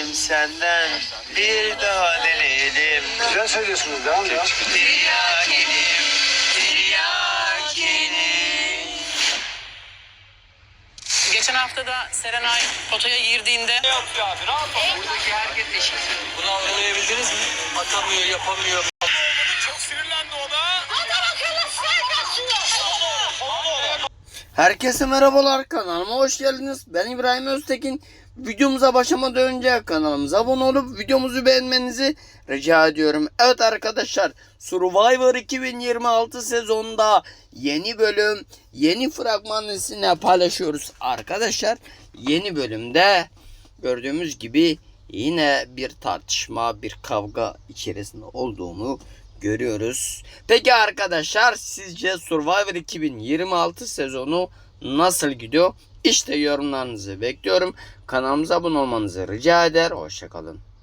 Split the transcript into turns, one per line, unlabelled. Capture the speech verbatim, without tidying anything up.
dilerim senden, bir daha dilerim.
Güzel söylüyorsunuz, devam ya.
Tiryakinim, tiryakinim.
Geçen hafta da Serenay potaya girdiğinde
Ne yapıyor abi? Ne yapalım? Buradaki herkes eşit. Bunu anlayabildiniz mi? Atamıyor, yapamıyor. Çok sinirlendi o da.
Herkese merhabalar, kanalıma hoş geldiniz. Ben İbrahim Öztekin. Videomuza başlamadan önce kanalımıza abone olup videomuzu beğenmenizi rica ediyorum. Evet arkadaşlar, Survivor iki bin yirmi altı sezonunda yeni bölüm, yeni fragman sizinle paylaşıyoruz arkadaşlar. Yeni bölümde gördüğümüz gibi yine bir tartışma, bir kavga içerisinde olduğunu görüyoruz. Peki arkadaşlar, sizce Survivor iki bin yirmi altı sezonu nasıl gidiyor? İşte yorumlarınızı bekliyorum. Kanalımıza abone olmanızı rica eder. Hoşçakalın.